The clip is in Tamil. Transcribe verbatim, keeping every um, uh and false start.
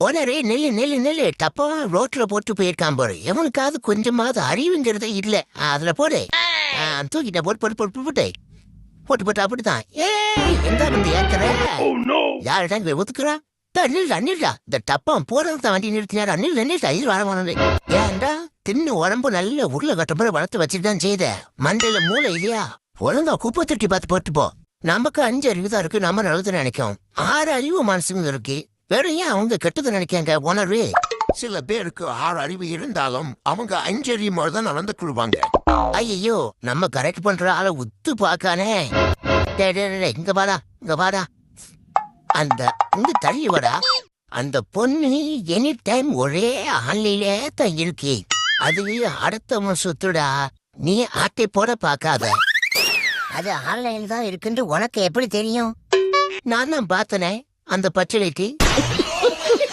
போனரே நெல்லு நெல்லு நெல்லு தப்பா ரோட்ல போட்டு போயிருக்கான் போற. எவனுக்காவது கொஞ்சமாவது அறிவுங்கிறதே இல்ல. அதுல போடு. தூக்கிட்ட போட்டு போட்டு போட்டு போட்டு போட்டு போட்டு அப்படித்தான். ஏ எங்க வந்து ஏத்துற யார்டா ஒத்துக்குறா? நில்டா நில்டா. இந்த டப்பம் போறது வண்டி நிறுத்தினாரா? நில் நில்டா. இது வர வந்தது ஏன்டா தின்னு உடம்பு நல்ல உருளை கட்ட மாதிரி வளர்த்து வச்சுட்டு தான் செய்த. மண்டையில மூளை இல்லையா? ஒழுங்கா குப்பை தட்டி பார்த்து போட்டு போ. நமக்கு அஞ்சு அறிவு தான் இருக்கு. நம்ம நல்லது நினைக்கும். ஆறு அறிவு மனசுங்க இருக்கு. வேற ஏன் அவங்க கெட்டது நினைக்காங்க? உணர்வு சில பேருக்கு ஆறு அறிவு இருந்தாலும் அவங்க அஞ்சறிவு தான் நடந்து கொள்வாங்க. ஐயோ நம்ம கரெக்ட் பண்ற ஆளை உத்து பாக்கானே. இங்க வாடா இங்க வாடா. அந்த இங்க தள்ளி வாடா. அந்த பொண்ணு எனி டைம் ஒரே ஆன்லையிலே தான் இருக்கு. அது அடுத்தவன் சுத்துடா. நீ ஆட்டை போட பாக்காத. அது ஆன்லைன்ல தான் இருக்குன்னு உனக்கு எப்படி தெரியும்? நான் தான் பார்த்தனே அந்த பச்சளைக்கு.